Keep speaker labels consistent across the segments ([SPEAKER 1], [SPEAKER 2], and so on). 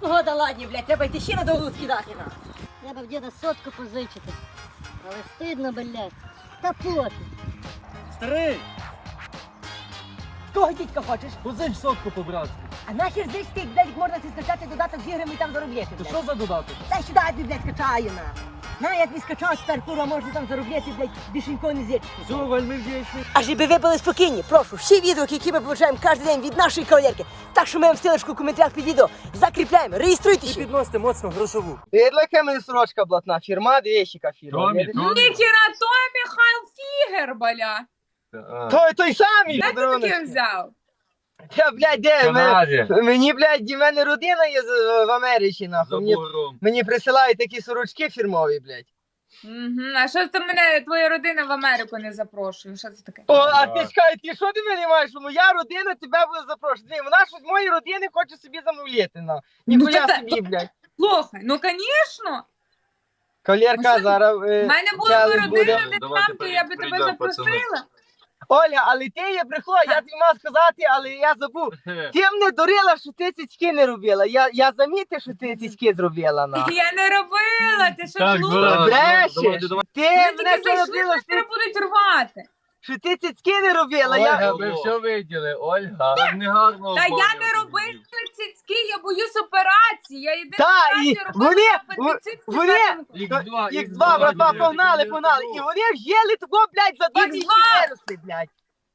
[SPEAKER 1] погода ладні, блядь, треба йти ще на довгу скидати на.
[SPEAKER 2] Треба в діда сотку позичити. Але стидно, блядь. Та пофіг.
[SPEAKER 3] Старий,
[SPEAKER 1] Кого дідька хочеш?
[SPEAKER 3] позич сотку по-братськи.
[SPEAKER 1] А нахер здесь ти, блядь, можна си скачати додаток з іграми і там заробляти,
[SPEAKER 3] То
[SPEAKER 1] блядь.
[SPEAKER 3] що за додаток?
[SPEAKER 1] Дай сюди, я тобі, блядь, скачаю, на. На, як не скачав, тепер, курва, можна там заробляти, блядь, більше нікого не зірчити.
[SPEAKER 3] Все, вельми вдячний.
[SPEAKER 1] А щоб ви були спокійні, прошу, всі відео, які ми получаємо кожен день від нашої кавалерки, так що ми вам ссылочку в коментарях під відео закріпляємо, реєструйтесь.
[SPEAKER 3] І підносите моцно грошову.
[SPEAKER 4] Яка мене сорочка блатна, фірма, яка фірма.
[SPEAKER 3] Томі,
[SPEAKER 5] Ніхера, то Михайло Фігер, бля.
[SPEAKER 4] Той самий.
[SPEAKER 5] Де ти таке взяв?
[SPEAKER 4] Я, блядь, де? Мені, блядь, в мене родина є в Америці, нахуй. Мені присилають такі сорочки фірмові, блядь.
[SPEAKER 5] А що ти мене, твоя родина в Америку не запрошує? Що це таке?
[SPEAKER 4] О, а ти чекай, ти що ти мене маєш? Моя родина тебе буде запрошувати. Вона щось з моєї родини хоче собі замовляти, на. Ніхуя собі, блядь.
[SPEAKER 5] Слухай, ну звісно.
[SPEAKER 4] Колірка
[SPEAKER 5] Ну,
[SPEAKER 4] зараз.
[SPEAKER 5] В мене була б родина, де там, то я би тебе запросила.
[SPEAKER 4] Оля, але ти є брехло, я тобі мав сказати, але я забув. Ти мене дурила, що ти цицьки не робила. Я замітив, що ти цицьки зробила, на.
[SPEAKER 5] Я не робила, ти що
[SPEAKER 3] Так,
[SPEAKER 5] глупа?
[SPEAKER 4] Брешеш! Ти
[SPEAKER 5] Вони
[SPEAKER 4] мене
[SPEAKER 5] тільки зайшли,
[SPEAKER 4] робила,
[SPEAKER 5] мене будуть рвати.
[SPEAKER 4] що ти цицьки не робила.
[SPEAKER 6] Ольга, ви все виділи, Ольга.
[SPEAKER 3] Так негарно.
[SPEAKER 5] Та я не робила цицьки, я боюсь операції. Я єдина
[SPEAKER 4] Та, і
[SPEAKER 5] операцію робила
[SPEAKER 4] вони-
[SPEAKER 5] апендицит
[SPEAKER 4] вони-
[SPEAKER 5] степенку.
[SPEAKER 4] Х2, братва, погнали. І вони в'їли того, блядь, за 2
[SPEAKER 5] Х2.
[SPEAKER 4] місяці виросли, блядь.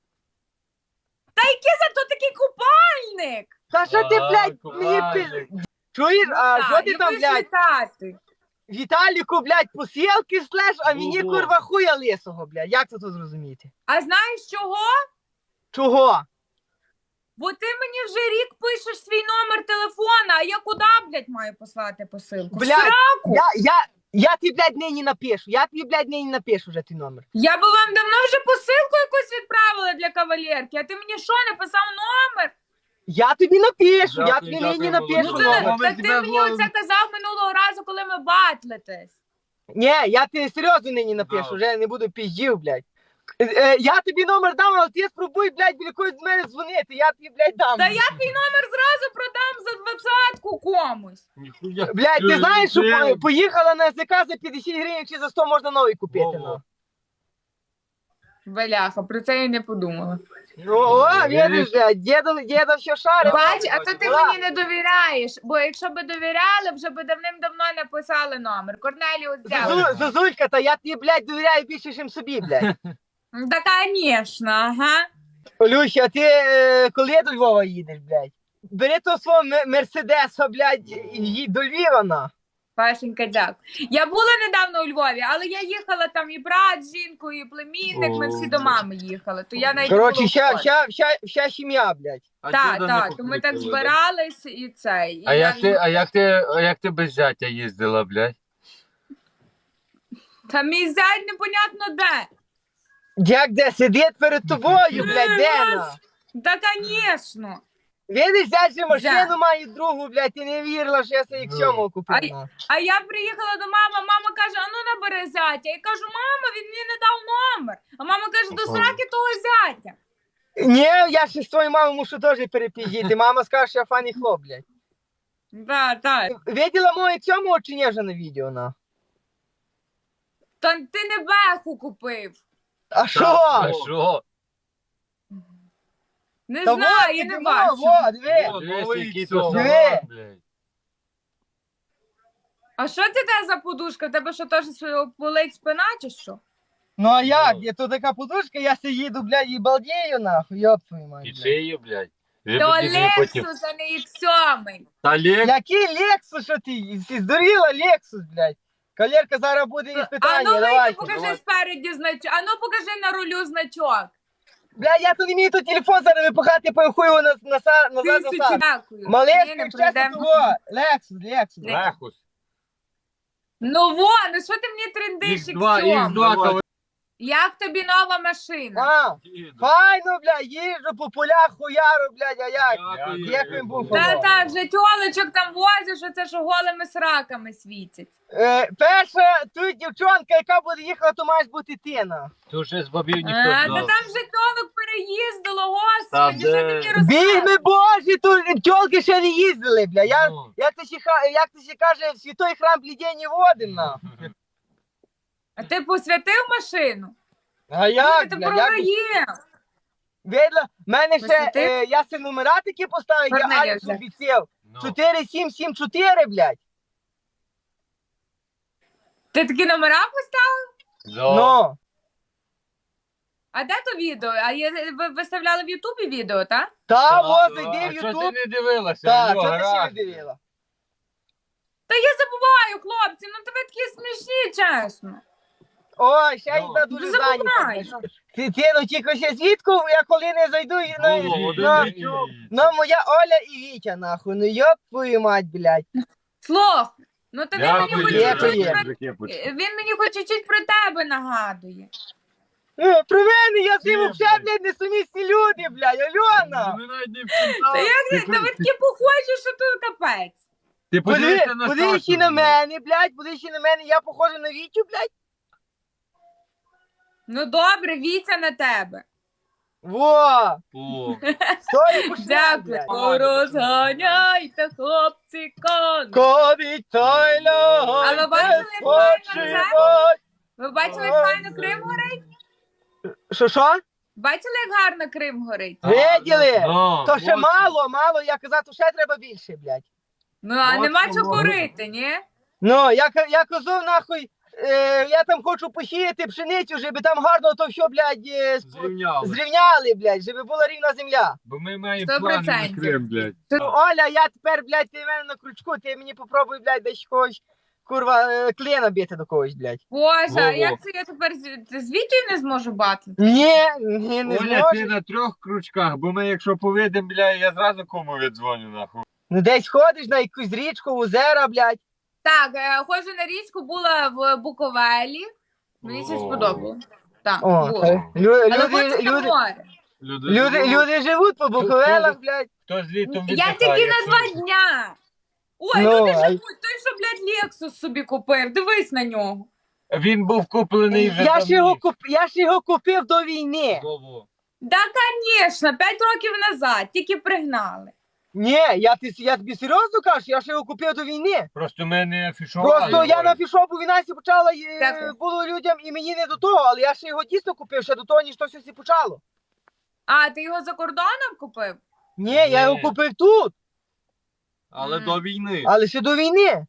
[SPEAKER 5] Та який зато такий купальник?
[SPEAKER 4] Та що ти, блядь, мені
[SPEAKER 6] купальник.
[SPEAKER 4] Чуєш, а
[SPEAKER 5] Так,
[SPEAKER 4] що ти
[SPEAKER 5] і
[SPEAKER 4] там,
[SPEAKER 5] будеш
[SPEAKER 4] блядь,
[SPEAKER 5] літати.
[SPEAKER 4] Віталіку, блядь, посілки слеш, а мені,
[SPEAKER 3] Ого.
[SPEAKER 4] курва, хуя лисого, блядь. Як це тут зрозуміти?
[SPEAKER 5] А знаєш чого?
[SPEAKER 4] Чого?
[SPEAKER 5] Бо ти мені вже рік пишеш свій номер телефона, а я куди, блядь, маю послати посилку? В
[SPEAKER 4] Блядь,
[SPEAKER 5] сраку?
[SPEAKER 4] Я тобі, блядь, нині напишу. Я тобі, блядь, нині напишу вже твій номер.
[SPEAKER 5] Я би вам давно вже посилку якусь відправила для кавалерки, а ти мені що, написав номер?
[SPEAKER 4] Я тобі напишу, я
[SPEAKER 6] Дякую,
[SPEAKER 4] тобі нині
[SPEAKER 6] дякую,
[SPEAKER 4] напишу
[SPEAKER 5] Ну,
[SPEAKER 6] Володя.
[SPEAKER 5] ти,
[SPEAKER 4] номер.
[SPEAKER 5] так ти мені оце казав минулого разу, коли ми батлитесь.
[SPEAKER 4] Ні, я тобі серйозно нині напишу,
[SPEAKER 6] Да.
[SPEAKER 4] вже не буду піздів, блядь. Я тобі номер дам, але ти спробуй, блядь, біля когось з мене дзвонити, я тобі, блядь, дам.
[SPEAKER 5] Та я твій номер зразу продам за 20-ку комусь.
[SPEAKER 6] Ніхуя.
[SPEAKER 4] Блядь, ти знаєш, що
[SPEAKER 6] Блядь.
[SPEAKER 4] поїхала на СК за 50 гривень чи за 100 можна новий купити,
[SPEAKER 6] Во-во.
[SPEAKER 4] ну.
[SPEAKER 5] Беляха, про це я не подумала.
[SPEAKER 4] Ну, о, видиш, блядь, діда все шарить.
[SPEAKER 5] Бач, а то ти
[SPEAKER 4] Да.
[SPEAKER 5] мені не довіряєш, бо якщо би довіряли, вже би давним-давно написали номер. Корнеліус взяв.
[SPEAKER 4] Зозулька, та я тобі, блядь, довіряю більше, ніж собі, блядь.
[SPEAKER 5] Та, звісно, ага.
[SPEAKER 4] Олюся, а ти коли до Львова їдеш, блядь? Бери того свого Мерседеса, блядь, і їдь до Львова, на.
[SPEAKER 5] Пашенька, дякую. Я була недавно у Львові, але я їхала там і брат з жінкою, і племінник, ми всі до мами їхали. То я навіть не
[SPEAKER 4] Коротше,
[SPEAKER 5] була в Львові.
[SPEAKER 4] вся сім'я, блядь.
[SPEAKER 5] Так, так, то ми так збирались і цей. І
[SPEAKER 6] А
[SPEAKER 5] я-
[SPEAKER 6] як ти без зятя їздила, блядь?
[SPEAKER 5] Та мій зять непонятно де.
[SPEAKER 4] Як де сидить перед тобою, блядь, де на?
[SPEAKER 5] Та, звісно.
[SPEAKER 4] Видиш, взять же машину
[SPEAKER 5] Взяв.
[SPEAKER 4] маю другу, блядь, ти не вірила, що я собі к цьому купив. на.
[SPEAKER 5] А я приїхала до мами, мама каже, а ну набери зятя. Я кажу, мама, він мені не дав номер. А мама каже, до сраки того зятя.
[SPEAKER 4] Ні, я ще з твоєю мамою мушу теж перепіздіти. Мама скаже, що я фані хлоп, блядь.
[SPEAKER 5] Так.
[SPEAKER 4] Виділа моє цьому чи ні вже на відео, на?
[SPEAKER 5] Та ти не беху купив.
[SPEAKER 4] А що?
[SPEAKER 6] А що?
[SPEAKER 5] Не
[SPEAKER 4] Та
[SPEAKER 5] знаю,
[SPEAKER 4] вот,
[SPEAKER 5] я не
[SPEAKER 4] диви,
[SPEAKER 5] бачу.
[SPEAKER 4] во, диви.
[SPEAKER 6] О,
[SPEAKER 3] Дивись,
[SPEAKER 6] новий
[SPEAKER 3] який
[SPEAKER 6] цьому,
[SPEAKER 4] то
[SPEAKER 6] блядь.
[SPEAKER 5] А що це те за подушка? В тебе що теж болить спина чи що?
[SPEAKER 4] Ну а як? Є тут така подушка, я си їду, блядь, і балдею, нахуй, йоп твою мать,
[SPEAKER 6] І
[SPEAKER 4] блядь.
[SPEAKER 6] шиє, блядь.
[SPEAKER 5] То Лексус, а не X7.
[SPEAKER 6] Та Лексус.
[SPEAKER 4] Який Лексус, що ти? Си здуріла Лексус, блядь. Кавалерка зараз буде
[SPEAKER 5] А
[SPEAKER 4] іспитання,
[SPEAKER 5] ну вийди,
[SPEAKER 4] давайте.
[SPEAKER 5] покажи спереді значок. А ну покажи на рулю значок.
[SPEAKER 4] Бля, я тут не вмію тут телефон зараз випихати, похуй його назад.
[SPEAKER 5] Тисячу дякую. Ні,
[SPEAKER 4] Малешка,
[SPEAKER 5] не
[SPEAKER 4] щастя
[SPEAKER 5] пройдемо.
[SPEAKER 4] того. Лексус.
[SPEAKER 6] Лехус.
[SPEAKER 5] Ну во, ну що ти мені трендиш
[SPEAKER 6] Х2,
[SPEAKER 5] X7?
[SPEAKER 6] Х2,
[SPEAKER 5] Як тобі нова машина?
[SPEAKER 4] А,
[SPEAKER 3] Їду.
[SPEAKER 4] файно, блядь, їжджу по полях хуяру, блядь, а як?
[SPEAKER 3] Дякую.
[SPEAKER 4] Як він був?
[SPEAKER 5] Та вже тьолочок там возиш, оце що голими сраками світять.
[SPEAKER 4] Перша, тут дівчонка, яка буде їхати, то маєш бути ти, на.
[SPEAKER 6] Тут ще з бабів
[SPEAKER 5] А,
[SPEAKER 6] ніхто
[SPEAKER 5] та
[SPEAKER 6] знав.
[SPEAKER 5] там вже тьолок переїздило,
[SPEAKER 6] Та
[SPEAKER 5] господи, що ти
[SPEAKER 6] де?
[SPEAKER 5] мені розказуєш?
[SPEAKER 4] Бігми божі, тут тьолки ще не їздили, бля.
[SPEAKER 6] Ну.
[SPEAKER 4] Як ти ще каже, в святой храм блідені водим, на.
[SPEAKER 5] А ти посвятив машину?
[SPEAKER 4] А як,
[SPEAKER 5] Ти
[SPEAKER 4] бля, як?
[SPEAKER 5] програєш.
[SPEAKER 4] Видно, в мене ще,
[SPEAKER 5] Посвятив?
[SPEAKER 4] я си номера такі поставив, я
[SPEAKER 5] Корнелія
[SPEAKER 4] Алекс
[SPEAKER 5] взяв.
[SPEAKER 4] обіцяв.
[SPEAKER 6] Ну.
[SPEAKER 4] 4774, блядь.
[SPEAKER 5] Ти такі номера поставив?
[SPEAKER 6] Да.
[SPEAKER 4] Ну.
[SPEAKER 5] А де то відео? А ви виставляли в Ютубі відео, так?
[SPEAKER 4] Та,
[SPEAKER 6] А,
[SPEAKER 4] во, зайди
[SPEAKER 6] а
[SPEAKER 4] в
[SPEAKER 6] що ти
[SPEAKER 4] Ютуб.
[SPEAKER 6] не дивилася?
[SPEAKER 4] Та,
[SPEAKER 6] Алло,
[SPEAKER 4] що ти ще не
[SPEAKER 6] гаразд.
[SPEAKER 4] дивила?
[SPEAKER 5] Та я забуваю, хлопці, ну тебе такі смішні, чесно.
[SPEAKER 4] Ой, ще
[SPEAKER 6] Ну.
[SPEAKER 4] одна дуже
[SPEAKER 5] Забуваю.
[SPEAKER 4] зайнята. Ти, ну, тільки ще звідку, я коли не зайду,
[SPEAKER 6] О,
[SPEAKER 4] ну, моя Оля і Вітя, нахуй, ну, йоп твою мать, блядь.
[SPEAKER 5] Слух, ну то він мені
[SPEAKER 6] Дякую.
[SPEAKER 5] хоч
[SPEAKER 4] Дякую.
[SPEAKER 5] чуть-чуть про... Він мені хоч чуть-чуть про тебе нагадує.
[SPEAKER 4] Про мене, я з ним
[SPEAKER 6] Ні,
[SPEAKER 4] взагалі,
[SPEAKER 6] блядь.
[SPEAKER 4] блядь, несумісні люди, блядь, Альона.
[SPEAKER 6] Ми навіть не
[SPEAKER 5] Та
[SPEAKER 6] впізнали.
[SPEAKER 5] як та ви такі похожі, що тут капець.
[SPEAKER 6] Ти подивися на
[SPEAKER 4] Подивись
[SPEAKER 6] Сашу,
[SPEAKER 4] і на
[SPEAKER 6] блядь.
[SPEAKER 4] мене, блядь, подивись і на мене, я похожа на Вітю, блядь.
[SPEAKER 5] Ну добре, Вітя на тебе.
[SPEAKER 4] Во,
[SPEAKER 6] О,
[SPEAKER 4] стой, пошли,
[SPEAKER 5] Дякую.
[SPEAKER 4] блядь.
[SPEAKER 5] Розганяйте, хлопці, коні.
[SPEAKER 4] Ковіть той льон,
[SPEAKER 5] А ви бачили, як файно
[SPEAKER 4] спочивать.
[SPEAKER 5] Ви бачили, як файно Крим горить?
[SPEAKER 4] Що?
[SPEAKER 5] Бачили, як гарно Крим горить?
[SPEAKER 4] Виділи?
[SPEAKER 6] ну,
[SPEAKER 4] То ще
[SPEAKER 6] ось.
[SPEAKER 4] мало, я казав, то ще треба більше, блядь.
[SPEAKER 5] Ну, а
[SPEAKER 6] От
[SPEAKER 5] нема
[SPEAKER 6] воно.
[SPEAKER 5] чого курити, ні?
[SPEAKER 4] Ну, я казав, нахуй, я там хочу посіяти пшеницю, щоб там гарно то все, блядь,
[SPEAKER 6] Зрівняли.
[SPEAKER 4] зрівняли, блядь, щоб була рівна земля.
[SPEAKER 6] Бо ми маємо
[SPEAKER 5] 100%.
[SPEAKER 6] плани на Крим, блядь.
[SPEAKER 4] Ну, Оля, я тепер, блядь, ти в мене на крючку, ти мені попробуй, блядь, десь когось, курва, клієна бити до когось, блядь.
[SPEAKER 5] Боже, а
[SPEAKER 6] Во-во.
[SPEAKER 5] як це я тепер з Вітєю не зможу батлити?
[SPEAKER 4] Ні, не
[SPEAKER 6] Оля, ти
[SPEAKER 4] зможеш.
[SPEAKER 6] на 3 крючках, бо ми якщо повидим, бля, я зразу кому віддзвоню, нахуй.
[SPEAKER 4] Ну, десь ходиш на якусь річку, озера, блядь.
[SPEAKER 5] Так, ходжу на річку, була в Буковелі. Мені це
[SPEAKER 6] О.
[SPEAKER 5] сподобалось. Так,
[SPEAKER 4] О,
[SPEAKER 5] було. Але хочу на море.
[SPEAKER 4] люди живуть по Буковелах, блядь.
[SPEAKER 6] Хто з літом
[SPEAKER 5] Я
[SPEAKER 6] віддихає,
[SPEAKER 5] тільки на
[SPEAKER 6] хто-
[SPEAKER 5] 2 дня. Ой,
[SPEAKER 4] Ну,
[SPEAKER 5] люди
[SPEAKER 4] а-
[SPEAKER 5] живуть, той, що, блядь, Лексус собі купив. Дивись на нього.
[SPEAKER 6] Він був куплений вже
[SPEAKER 4] Я ж його купив до війни.
[SPEAKER 6] Во-во.
[SPEAKER 5] Да, звісно, 5 років назад, тільки пригнали.
[SPEAKER 4] Ні, я тобі серйозно кажу, я ж його купив до війни.
[SPEAKER 6] Просто ми не афішували.
[SPEAKER 4] Просто я на фішопу війна сі почала,
[SPEAKER 5] Дякую.
[SPEAKER 4] було людям і мені не до того, але я ще його дійсно купив, ще до того, ніж то все сі почало.
[SPEAKER 5] А, ти його за кордоном купив?
[SPEAKER 4] Ні, я його
[SPEAKER 6] Ні.
[SPEAKER 4] купив тут,
[SPEAKER 3] Але до війни.
[SPEAKER 4] але ще до війни.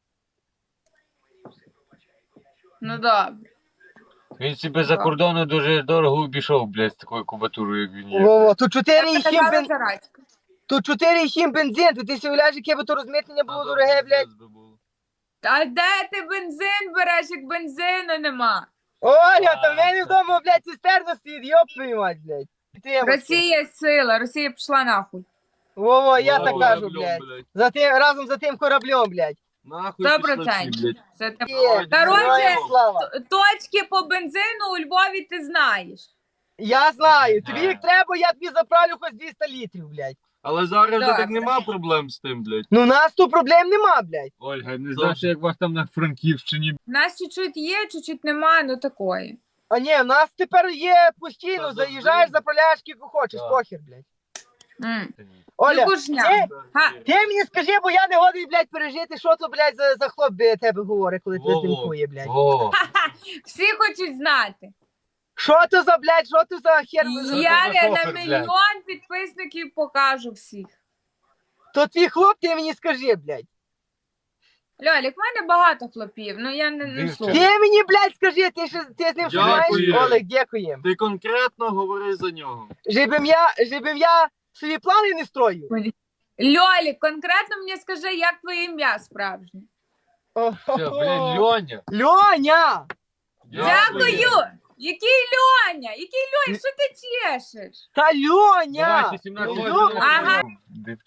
[SPEAKER 5] Ну, добре.
[SPEAKER 6] Він себе за кордону дуже дорого обійшов, блядь, з такою кубатурою, як він є.
[SPEAKER 4] Во-во, тут
[SPEAKER 5] Я
[SPEAKER 4] 4,7
[SPEAKER 5] казала
[SPEAKER 4] бензин,
[SPEAKER 5] Зарадька.
[SPEAKER 4] тут 4,7 бензин, то ти си уявляєш, яке би то розмитнення було дороге, блядь.
[SPEAKER 5] А де ти бензин береш, як бензину нема?
[SPEAKER 4] Оля, та в мене вдома, блядь, цистерна стоїть, йоп твою мать, блядь.
[SPEAKER 5] Росія сила, Росія пішла нахуй.
[SPEAKER 4] Во-во, я так кажу, блядь. Разом за тим кораблем, блядь.
[SPEAKER 3] Нахуй
[SPEAKER 5] 100%. Це те-
[SPEAKER 4] Є,
[SPEAKER 5] Короче,
[SPEAKER 4] героям слава.
[SPEAKER 5] точки по бензину у Львові ти знаєш.
[SPEAKER 4] Я знаю, тобі як треба, я тобі заправлю хоч 200 літрів, блядь.
[SPEAKER 3] Але зараз вже
[SPEAKER 5] Так.
[SPEAKER 3] так нема проблем з тим, блядь.
[SPEAKER 4] Ну, у нас тут проблем нема, блядь.
[SPEAKER 6] Ольга, не знаєш, як вас там на Франківщині.
[SPEAKER 5] У нас чуть-чуть є, чуть-чуть немає, ну такої.
[SPEAKER 4] А ні, у нас тепер є постійно,
[SPEAKER 3] Та
[SPEAKER 4] заїжджаєш,
[SPEAKER 3] завжди.
[SPEAKER 4] заправляєш, скільки хочеш,
[SPEAKER 6] Так.
[SPEAKER 4] похер, блядь.
[SPEAKER 5] М.
[SPEAKER 4] Оля,
[SPEAKER 5] Кукушня.
[SPEAKER 4] ти,
[SPEAKER 5] Га,
[SPEAKER 4] ти мені скажи, бо я не годий, блядь, пережити, що то, блядь, за хлоп тебе говорить, коли тебе
[SPEAKER 3] Во-во.
[SPEAKER 4] знімкує, блядь.
[SPEAKER 6] О,
[SPEAKER 5] всі хочуть знати.
[SPEAKER 4] Що то за, блядь, що то за хер?
[SPEAKER 5] Я
[SPEAKER 6] за
[SPEAKER 5] на
[SPEAKER 6] шофер,
[SPEAKER 5] мільйон підписників покажу всіх.
[SPEAKER 4] То твій хлоп, ти мені скажи, блядь.
[SPEAKER 5] Льолік, в мене багато хлопів, ну я не
[SPEAKER 6] Дивіться.
[SPEAKER 5] слухаю.
[SPEAKER 4] Ти мені, блядь, скажи, ти з ним що знаєш?
[SPEAKER 3] Дякую.
[SPEAKER 4] Олег, дякуємо.
[SPEAKER 3] Ти конкретно говори за нього.
[SPEAKER 4] Жебим я собі плани не строю.
[SPEAKER 5] Льолік, конкретно мені скажи, як твоє ім'я справжнє.
[SPEAKER 6] все, блядь, Льоня.
[SPEAKER 4] Льоня!
[SPEAKER 5] Дякую! Який Льоня? Який Льоня? Що ти чешеш?
[SPEAKER 4] Та Льоня!
[SPEAKER 6] Давай, 17
[SPEAKER 4] Ну,
[SPEAKER 6] років.
[SPEAKER 5] Ага.
[SPEAKER 6] Де вчора?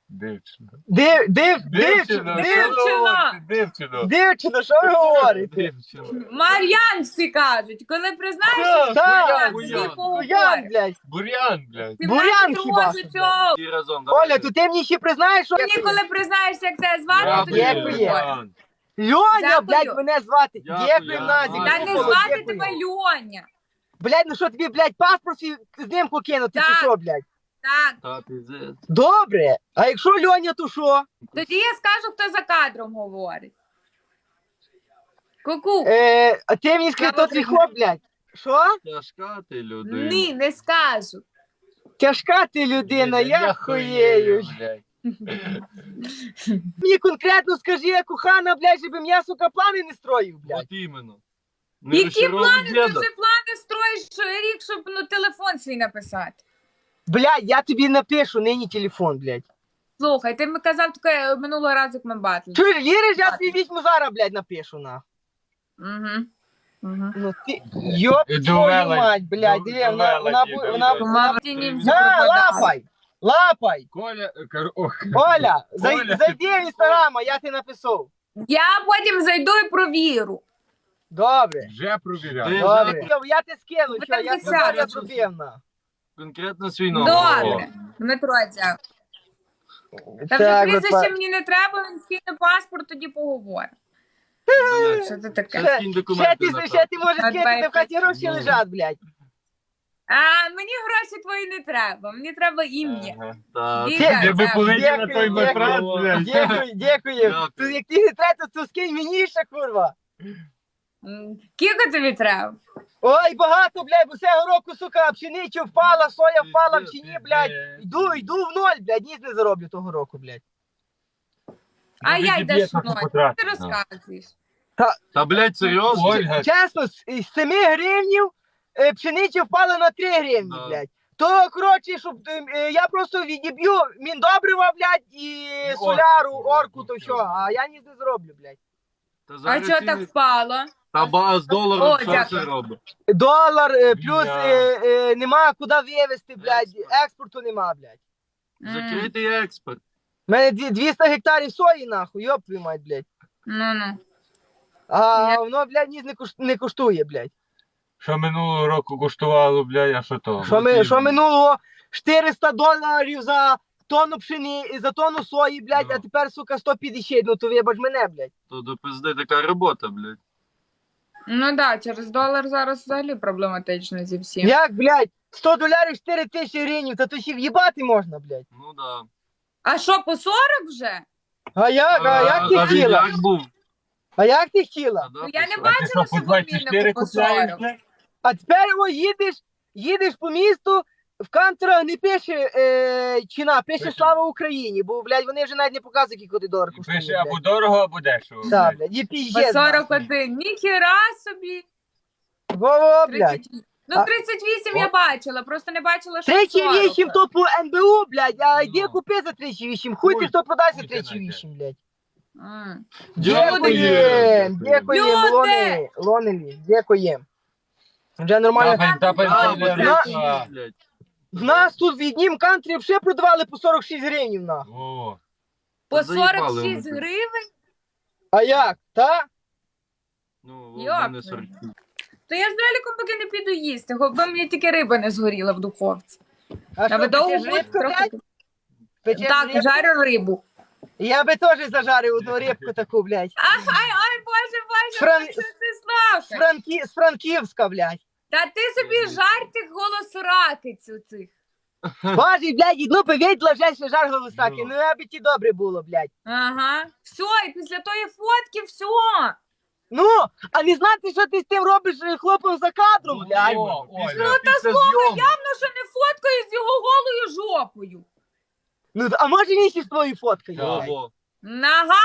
[SPEAKER 6] Дівчина.
[SPEAKER 4] Дівчина. Дівчина, що ви говорите?
[SPEAKER 3] Дівчина.
[SPEAKER 5] Мар'ян всі кажуть, коли признаєшся,
[SPEAKER 4] Так,
[SPEAKER 5] всі
[SPEAKER 3] Буян.
[SPEAKER 4] Буян,
[SPEAKER 5] поговорять.
[SPEAKER 4] блядь.
[SPEAKER 6] Бур'ян, блядь.
[SPEAKER 5] 17
[SPEAKER 4] Бурян хіба
[SPEAKER 5] років
[SPEAKER 4] що,
[SPEAKER 5] цього.
[SPEAKER 3] Всі разом.
[SPEAKER 4] Оля,
[SPEAKER 3] давайте.
[SPEAKER 4] то ти мені ще признаєш, що...
[SPEAKER 5] Мені коли признаєшся, як тебе звати,
[SPEAKER 3] Дякую,
[SPEAKER 5] тоді
[SPEAKER 4] Дякую.
[SPEAKER 5] поговоримо.
[SPEAKER 3] Ян.
[SPEAKER 4] Льоня,
[SPEAKER 5] Дякую.
[SPEAKER 4] блядь, мене звати.
[SPEAKER 3] Дякую,
[SPEAKER 4] Дякую,
[SPEAKER 3] Ян.
[SPEAKER 4] Назік.
[SPEAKER 5] Та не
[SPEAKER 3] Дякую.
[SPEAKER 5] звати тебе Льоня.
[SPEAKER 4] Блядь, ну що тобі, блядь, паспорт свій знімку кинути, чи
[SPEAKER 5] Так.
[SPEAKER 4] що, блядь?
[SPEAKER 5] Так,
[SPEAKER 3] Та пиздець.
[SPEAKER 4] Добре. А якщо Льоня, то що?
[SPEAKER 5] тоді я скажу, хто за кадром говорить. Ку-ку.
[SPEAKER 4] А ти мені скажи, то твій хлоп, блядь. Що?
[SPEAKER 3] Тяжка ти людина.
[SPEAKER 5] Ні, не скажу.
[SPEAKER 4] Тяжка ти людина, я хуєю.
[SPEAKER 6] блядь.
[SPEAKER 4] Мені конкретно скажи, кохана, блядь, щоб я, сука, плани не строїв, блядь.
[SPEAKER 3] От іменно. Не
[SPEAKER 5] Які
[SPEAKER 3] розчаровуй
[SPEAKER 5] плани? Ти
[SPEAKER 3] діда.
[SPEAKER 5] вже плани строїш рік, щоб телефон свій написати.
[SPEAKER 4] Блядь, я тобі напишу, нині телефон, блядь.
[SPEAKER 5] Слухай, ти мені казав таке минулого разу, як ми батли.
[SPEAKER 4] Чуєш, віриш, я тобі візьму зараз, блядь, напишу, на.
[SPEAKER 5] Угу. Угу.
[SPEAKER 4] Ну ти, йоп
[SPEAKER 6] І
[SPEAKER 4] твою
[SPEAKER 6] довела-
[SPEAKER 4] мать, блядь, диви, вона,
[SPEAKER 6] довела
[SPEAKER 4] бу-
[SPEAKER 6] діда,
[SPEAKER 4] вона,
[SPEAKER 6] блядь.
[SPEAKER 4] вона,
[SPEAKER 5] Тіні всі
[SPEAKER 4] на,
[SPEAKER 5] пропадали.
[SPEAKER 4] лапай, лапай.
[SPEAKER 6] Коля, ох.
[SPEAKER 4] Оля,
[SPEAKER 6] Оля,
[SPEAKER 4] зайди в інстаграм, а я ти написав.
[SPEAKER 5] Я потім зайду і провіру.
[SPEAKER 4] Добре.
[SPEAKER 6] Вже провіряв.
[SPEAKER 3] Ти-
[SPEAKER 4] Добре. Я ти скину,
[SPEAKER 5] Ви
[SPEAKER 4] що,
[SPEAKER 5] там
[SPEAKER 4] я
[SPEAKER 5] десятки.
[SPEAKER 4] тебе зробив, на.
[SPEAKER 3] Конкретно свій номер.
[SPEAKER 5] Добре. Дмитро, дякую. Та вже
[SPEAKER 4] Так,
[SPEAKER 5] прізвище
[SPEAKER 4] от,
[SPEAKER 5] мені не треба, він скине паспорт, тоді поговоримо.
[SPEAKER 3] Блядь.
[SPEAKER 5] Що це таке?
[SPEAKER 3] Ще скинь документи на
[SPEAKER 4] ще ти можеш
[SPEAKER 5] А
[SPEAKER 4] кинути,
[SPEAKER 5] давай.
[SPEAKER 4] в хаті гроші лежать, блядь.
[SPEAKER 5] А мені гроші твої не треба, мені треба ім'я.
[SPEAKER 6] Ага.
[SPEAKER 3] Так.
[SPEAKER 5] Віка,
[SPEAKER 6] Де би
[SPEAKER 5] дякую.
[SPEAKER 6] полетів на той
[SPEAKER 4] Дякую,
[SPEAKER 6] матрас,
[SPEAKER 3] дякую.
[SPEAKER 6] блядь.
[SPEAKER 4] Дякую, дякую.
[SPEAKER 3] Дякую.
[SPEAKER 4] Тут як ти не треба, то скинь мені ще, курва.
[SPEAKER 5] Кілько тобі треба?
[SPEAKER 4] Ой, багато, блядь, бо цього року, сука, пшениця впала, соя впала в ціні, блядь. Йду в ноль, блядь, ніц не зароблю того року, блядь.
[SPEAKER 5] А я йдеш
[SPEAKER 6] Відіб'є,
[SPEAKER 5] мною.
[SPEAKER 6] потратить,
[SPEAKER 5] Ти
[SPEAKER 6] ну.
[SPEAKER 5] розказуєш.
[SPEAKER 3] Та, блядь, серйозно?
[SPEAKER 6] Ольга,
[SPEAKER 4] Чесно, з 7 гривнів пшениця впала на 3 гривні,
[SPEAKER 3] Да.
[SPEAKER 4] блядь. То, коротше, щоб я просто відіб'ю міндобрива, блядь, і соляру, орку, то що, а я ніц не зароблю, блядь.
[SPEAKER 3] Та
[SPEAKER 5] А
[SPEAKER 3] зараз
[SPEAKER 5] чого
[SPEAKER 3] ціни-
[SPEAKER 5] так впало?
[SPEAKER 3] Та ба з
[SPEAKER 5] О,
[SPEAKER 3] доларом що
[SPEAKER 5] дякую.
[SPEAKER 3] це робить?
[SPEAKER 4] Долар, плюс
[SPEAKER 6] Бля.
[SPEAKER 4] нема куди вивезти, блядь,
[SPEAKER 3] Експорт.
[SPEAKER 4] експорту нема, блядь.
[SPEAKER 3] Закритий експорт.
[SPEAKER 4] У мене 200 гектарів сої, нахуй, йоп твою мать, блядь.
[SPEAKER 5] Ну-ну.
[SPEAKER 4] А воно, блядь, ніц не коштує, блядь.
[SPEAKER 6] що минулого року коштувало, блядь, а що то?
[SPEAKER 4] Що минулого $400 за тонну пшени, за тонну сої, блядь,
[SPEAKER 3] Ну.
[SPEAKER 4] а тепер, сука, 150, ну то вибач мене, блядь.
[SPEAKER 3] То до пизди така робота, блядь.
[SPEAKER 5] Ну да, через долар зараз взагалі проблематично зі всім.
[SPEAKER 4] Як, блядь, $100 4 тисячі гривень, та то ще в'їбати можна, блядь.
[SPEAKER 3] Ну да.
[SPEAKER 5] А що, по 40 вже?
[SPEAKER 4] А як
[SPEAKER 3] А
[SPEAKER 4] ти
[SPEAKER 3] він
[SPEAKER 4] хотіла?
[SPEAKER 3] як був?
[SPEAKER 4] А як ти хотіла?
[SPEAKER 3] Да,
[SPEAKER 5] Ну, я не
[SPEAKER 3] писав.
[SPEAKER 6] А ти
[SPEAKER 5] бачила,
[SPEAKER 6] що,
[SPEAKER 5] що
[SPEAKER 6] по 24
[SPEAKER 5] по
[SPEAKER 6] купляєш,
[SPEAKER 5] 40.
[SPEAKER 6] блядь?
[SPEAKER 4] А тепер їдеш по місту, в канцерах не пише ціна, пише слава Україні, бо, блядь, вони вже навіть не показують, який один долар
[SPEAKER 6] І
[SPEAKER 4] коштує,
[SPEAKER 6] пише або
[SPEAKER 4] блядь.
[SPEAKER 6] дорого, або дешево.
[SPEAKER 4] Так,
[SPEAKER 6] блядь.
[SPEAKER 4] блядь, і
[SPEAKER 5] По
[SPEAKER 4] піздець.
[SPEAKER 5] 41. Ніхіра собі.
[SPEAKER 4] Во-во, блядь.
[SPEAKER 5] 30. Ну,
[SPEAKER 4] А-
[SPEAKER 5] 38 я бачила, просто не бачила, що 40.
[SPEAKER 4] 38 то по НБУ, блядь, а йди
[SPEAKER 3] Ну.
[SPEAKER 4] купи за 38. Хуй ти
[SPEAKER 6] Хуй,
[SPEAKER 4] хто продасть за
[SPEAKER 6] хуй ти
[SPEAKER 4] 38, блядь.
[SPEAKER 5] М.
[SPEAKER 4] Дякуєм, дякуєм,
[SPEAKER 5] Люди!
[SPEAKER 4] Лонелі, Лонелі, дякуєм. Вже нормально.
[SPEAKER 6] Тапай,
[SPEAKER 3] А,
[SPEAKER 6] тапай,
[SPEAKER 3] блядь,
[SPEAKER 6] блядь.
[SPEAKER 3] блядь.
[SPEAKER 4] В нас тут в Віднім кантрі вже продавали по 46 гривень, нахуй.
[SPEAKER 6] О,
[SPEAKER 5] По
[SPEAKER 3] Заїбали
[SPEAKER 5] 46
[SPEAKER 3] вони.
[SPEAKER 5] гривень?
[SPEAKER 4] А як, та?
[SPEAKER 3] Ну, в
[SPEAKER 5] Йоп.
[SPEAKER 3] мене 40.
[SPEAKER 5] То я з Леліком поки не піду їсти, бо мені тільки риба не згоріла в духовці.
[SPEAKER 4] А
[SPEAKER 5] А ви довго
[SPEAKER 4] печеш
[SPEAKER 5] будете
[SPEAKER 4] рибку,
[SPEAKER 5] трохи?
[SPEAKER 4] блядь? Печеш
[SPEAKER 5] Так,
[SPEAKER 4] рибку?
[SPEAKER 5] жарю рибу.
[SPEAKER 4] Я би теж зажарив одну рибку таку, блядь.
[SPEAKER 5] Ай, боже,
[SPEAKER 4] Фран-
[SPEAKER 5] що ти славка?
[SPEAKER 4] З Франківська, блядь.
[SPEAKER 5] Та ти собі жарь тих голосракиць у цих.
[SPEAKER 4] Боже, блядь, ну повідла вже ще жар голосаки.
[SPEAKER 3] Ну.
[SPEAKER 4] Ну, аби ті добре було, блядь.
[SPEAKER 5] Ага. Все, і після тої фотки все.
[SPEAKER 4] Ну, а не знати, що ти з тим робиш хлопом за кадром,
[SPEAKER 3] Ну,
[SPEAKER 4] блядь.
[SPEAKER 3] іменно,
[SPEAKER 6] Оля.
[SPEAKER 3] після-
[SPEAKER 6] Ну,
[SPEAKER 5] та
[SPEAKER 3] після
[SPEAKER 5] слухай,
[SPEAKER 3] зйомок.
[SPEAKER 5] явно, що не фоткаю з його голою жопою.
[SPEAKER 4] Ну, а може він ще з твоєю фоткою?
[SPEAKER 6] Так.
[SPEAKER 4] блядь?
[SPEAKER 3] Ого.
[SPEAKER 5] Нога,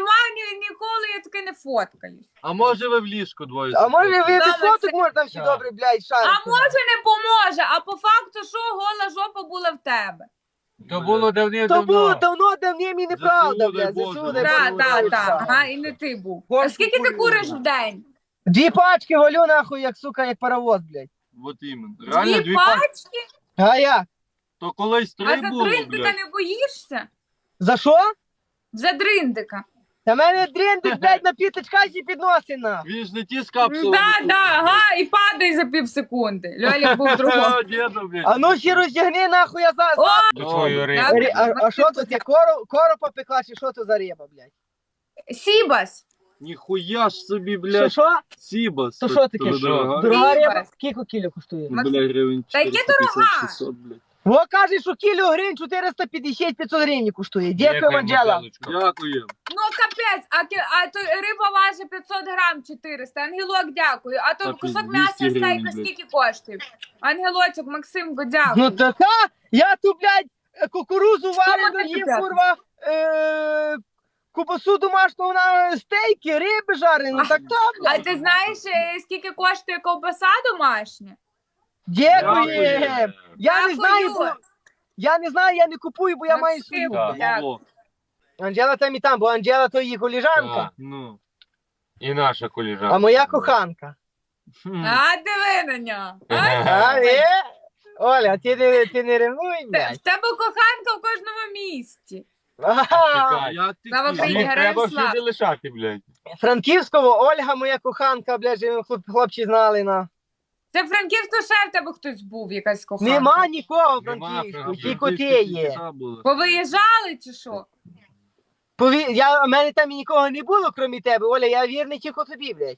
[SPEAKER 5] ніколи я таки не фоткаюсь.
[SPEAKER 3] А може ви в ліжку двоє?
[SPEAKER 4] А може ви
[SPEAKER 5] Саме
[SPEAKER 4] без фоток
[SPEAKER 5] це-
[SPEAKER 4] може там ще
[SPEAKER 6] Так.
[SPEAKER 4] добре, блядь, шарити?
[SPEAKER 5] А може не поможе, а по факту, що гола жопа була в тебе.
[SPEAKER 6] то було
[SPEAKER 4] То
[SPEAKER 6] давним-давно.
[SPEAKER 4] було давно, давним і неправда,
[SPEAKER 3] ЗСУ, дай
[SPEAKER 4] блядь.
[SPEAKER 3] Боже.
[SPEAKER 4] ЗСУ, дай
[SPEAKER 5] Так,
[SPEAKER 4] Боже,
[SPEAKER 5] так,
[SPEAKER 4] дай
[SPEAKER 5] так.
[SPEAKER 4] Боже.
[SPEAKER 5] Ага, і не ти був.
[SPEAKER 4] Горку
[SPEAKER 5] А скільки ти
[SPEAKER 4] курю,
[SPEAKER 5] куриш
[SPEAKER 4] да.
[SPEAKER 5] в день?
[SPEAKER 4] 2 пачки валю нахуй, як сука, як паровоз, блядь.
[SPEAKER 3] От іменно. Реально
[SPEAKER 5] Дві
[SPEAKER 3] дві пачки.
[SPEAKER 5] пачки?
[SPEAKER 4] А як?
[SPEAKER 3] То колись
[SPEAKER 5] А
[SPEAKER 3] 3
[SPEAKER 5] за
[SPEAKER 3] було,
[SPEAKER 5] 3 ти
[SPEAKER 3] блядь.
[SPEAKER 5] не боїшся?
[SPEAKER 4] За що?
[SPEAKER 5] За дриндика.
[SPEAKER 4] Та мене дріндик, блядь, на п'ятачкачі підносить на.
[SPEAKER 3] Він ж не ті з капсулами.
[SPEAKER 5] Да, ага, і падай за пів секунди. Льолік був другого.
[SPEAKER 3] О, діду, блядь.
[SPEAKER 4] А ну ще роздягни нахуй, я за...
[SPEAKER 5] О!
[SPEAKER 6] До твоєї риби.
[SPEAKER 5] Добре.
[SPEAKER 4] А що то це? Коропа пекла, чи що то за риба, блядь?
[SPEAKER 5] Сібас.
[SPEAKER 3] Ніхуя ж собі,
[SPEAKER 4] Що,
[SPEAKER 3] блядь.
[SPEAKER 4] що?
[SPEAKER 3] Сібас.
[SPEAKER 4] То що таке?
[SPEAKER 3] Дорога.
[SPEAKER 4] Дорога риба?
[SPEAKER 5] Сібас.
[SPEAKER 4] Скільки кіло коштує?
[SPEAKER 5] Максим,
[SPEAKER 3] Бля, гривень
[SPEAKER 5] та яке дорога?
[SPEAKER 3] 450-600, блядь.
[SPEAKER 4] Во каже, що кіло гривень 450-500 гривень коштує. Дякую, Анджела.
[SPEAKER 3] Дякую.
[SPEAKER 5] Ну капець, а то риба важить 500 грам 400. Ангелок, дякую. А то
[SPEAKER 3] Та
[SPEAKER 5] кусок
[SPEAKER 3] 200
[SPEAKER 5] м'яса
[SPEAKER 3] гривень,
[SPEAKER 5] стейка
[SPEAKER 3] блядь.
[SPEAKER 5] скільки коштує? Ангелочок, Максимко,
[SPEAKER 4] Ну
[SPEAKER 5] дякую.
[SPEAKER 4] така, я тут, блядь, кукурузу варену
[SPEAKER 5] таке
[SPEAKER 4] їм,
[SPEAKER 5] п'яте?
[SPEAKER 4] курва, кубасу домашню, на стейки, риби жарені, ну так то,
[SPEAKER 5] А
[SPEAKER 4] блядь.
[SPEAKER 5] ти знаєш, скільки коштує ковбаса домашня?
[SPEAKER 4] Дякую.
[SPEAKER 3] Дякую.
[SPEAKER 4] Я не знаю,
[SPEAKER 5] Дякую.
[SPEAKER 4] бо... Я не знаю, я не купую, бо я маю
[SPEAKER 5] Максим,
[SPEAKER 4] свою.
[SPEAKER 6] Так.
[SPEAKER 5] Так.
[SPEAKER 3] Во.
[SPEAKER 4] Анджела там і там, бо Анджела то її коліжанка,
[SPEAKER 3] Ну.
[SPEAKER 6] І наша коліжанка.
[SPEAKER 4] а моя коханка.
[SPEAKER 3] Хм.
[SPEAKER 5] А диви на нього.
[SPEAKER 4] А, Оля, ти не ревнуй,
[SPEAKER 5] В
[SPEAKER 4] блядь.
[SPEAKER 5] тебе коханка в кожному місті.
[SPEAKER 4] Ага.
[SPEAKER 6] Чекай.
[SPEAKER 3] Як ти
[SPEAKER 5] Слава
[SPEAKER 3] хотів?
[SPEAKER 5] Україні.
[SPEAKER 6] Їх треба
[SPEAKER 5] Ярослав.
[SPEAKER 6] всюди лишати, блядь.
[SPEAKER 4] Франківського Ольга, моя коханка, блядь, щоб хлопці знали, на.
[SPEAKER 5] Це Франківську ще в тебе хтось був, якась коханка.
[SPEAKER 4] Нема нікого в
[SPEAKER 6] Нема
[SPEAKER 4] Франківську,
[SPEAKER 6] Франківську.
[SPEAKER 4] тільки ти
[SPEAKER 3] Франківська
[SPEAKER 4] є.
[SPEAKER 3] тітка була.
[SPEAKER 5] Повиїжджали чи що?
[SPEAKER 4] У мене там і нікого не було, крім тебе, Оля, я вірний тільки тобі, блядь.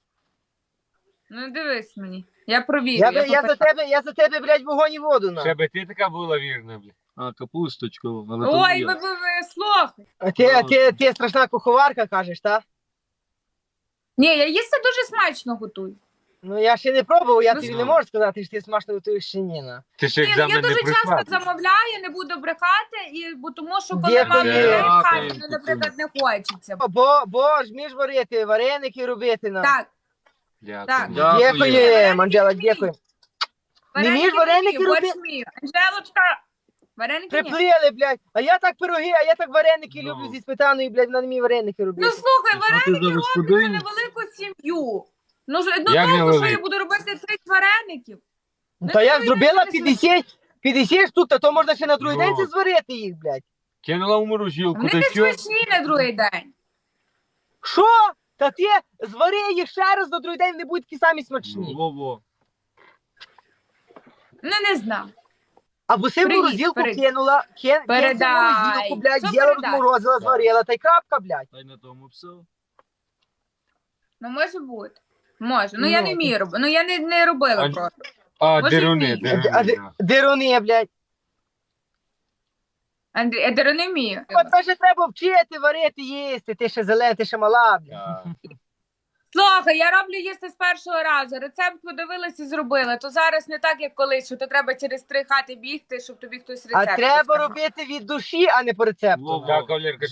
[SPEAKER 5] Ну дивись мені. Я провірю.
[SPEAKER 4] Я за тебе, блядь, вогонь і воду, на.
[SPEAKER 6] Ще би ти така була вірна, блядь.
[SPEAKER 3] А, капусточка. Але то
[SPEAKER 5] Ой,
[SPEAKER 3] не
[SPEAKER 5] ви
[SPEAKER 3] я.
[SPEAKER 5] слухай.
[SPEAKER 4] А ти страшна куховарка, кажеш, так?
[SPEAKER 5] Ні, я їсти дуже смачно готую.
[SPEAKER 4] Ну я ще не пробував, я
[SPEAKER 5] Ну,
[SPEAKER 4] тобі не можу сказати, що ти смачно готуєш чи ні, на.
[SPEAKER 6] Ти ще
[SPEAKER 5] Ні, ну, я
[SPEAKER 6] екзамен не
[SPEAKER 5] дуже часто
[SPEAKER 6] пройшла.
[SPEAKER 5] замовляю, не буду брехати, бо тому що коли
[SPEAKER 4] Дякую.
[SPEAKER 5] мама людей в хаті,
[SPEAKER 3] Дякую.
[SPEAKER 5] мені, наприклад, не хочеться.
[SPEAKER 4] Бо ж вмієш варити, вареники робити, на.
[SPEAKER 5] Так,
[SPEAKER 6] Дякую.
[SPEAKER 5] Так.
[SPEAKER 4] Дякую, Анджела, дякую. Не вмієш вареники
[SPEAKER 5] вмію, борщ
[SPEAKER 4] робити?
[SPEAKER 5] вмію. Анжелочка, вареники ні.
[SPEAKER 4] Приплили, блядь. А я так пироги, а я так вареники
[SPEAKER 3] Ну.
[SPEAKER 4] люблю зі сметаною, блядь, вона не вміє вареники
[SPEAKER 5] Ну
[SPEAKER 4] робити.
[SPEAKER 5] слухай,
[SPEAKER 3] А ти
[SPEAKER 5] вареники
[SPEAKER 3] за
[SPEAKER 5] роблю за
[SPEAKER 3] господиню?
[SPEAKER 5] невелику сім'ю. Ну
[SPEAKER 6] Як
[SPEAKER 5] толку, що
[SPEAKER 6] невелику?
[SPEAKER 5] я буду робити 30 вареників.
[SPEAKER 4] Ну, та я
[SPEAKER 5] ти
[SPEAKER 4] зробила
[SPEAKER 5] не
[SPEAKER 4] 50 штук, та то можна ще на другий
[SPEAKER 6] Ну.
[SPEAKER 4] день це зварити їх, блядь.
[SPEAKER 6] Кинула у морозилку,
[SPEAKER 5] Вони
[SPEAKER 6] та
[SPEAKER 5] не
[SPEAKER 6] що?
[SPEAKER 5] смачні на другий день.
[SPEAKER 4] Що? Та ти звари їх ще раз, на другий день не будуть такі самі смачні.
[SPEAKER 3] Во-во.
[SPEAKER 5] Ну не знаю.
[SPEAKER 4] Або си в
[SPEAKER 5] Привіт,
[SPEAKER 4] морозилку
[SPEAKER 5] перед-
[SPEAKER 4] кинула,
[SPEAKER 5] Передай.
[SPEAKER 4] морозилку, блядь,
[SPEAKER 5] Що
[SPEAKER 4] взяла,
[SPEAKER 5] передай?
[SPEAKER 4] розморозила, зварила, та й крапка, блядь.
[SPEAKER 3] Та й на тому все.
[SPEAKER 5] Ну може бути. Може. Ну я
[SPEAKER 4] Ну,
[SPEAKER 5] не вмію робити. Ну я не робила
[SPEAKER 6] А-
[SPEAKER 5] просто.
[SPEAKER 6] А,
[SPEAKER 5] Може,
[SPEAKER 6] деруни,
[SPEAKER 5] вмію.
[SPEAKER 6] деруни.
[SPEAKER 4] Деруни, блядь.
[SPEAKER 5] Андрій, я не вмію.
[SPEAKER 4] От тебе ще треба вчити, варити, їсти, ти ще зелена, ти ще мала, блядь.
[SPEAKER 6] Так.
[SPEAKER 5] Слухай, я роблю їсти з першого разу. Рецепт подивилась і зробила. То зараз не так, як колись, що то треба через 3 хати бігти, щоб тобі хтось рецепт
[SPEAKER 4] А треба
[SPEAKER 5] розказав.
[SPEAKER 4] робити від душі, а не по рецепту.
[SPEAKER 3] Во-во.
[SPEAKER 6] Так, Валерка,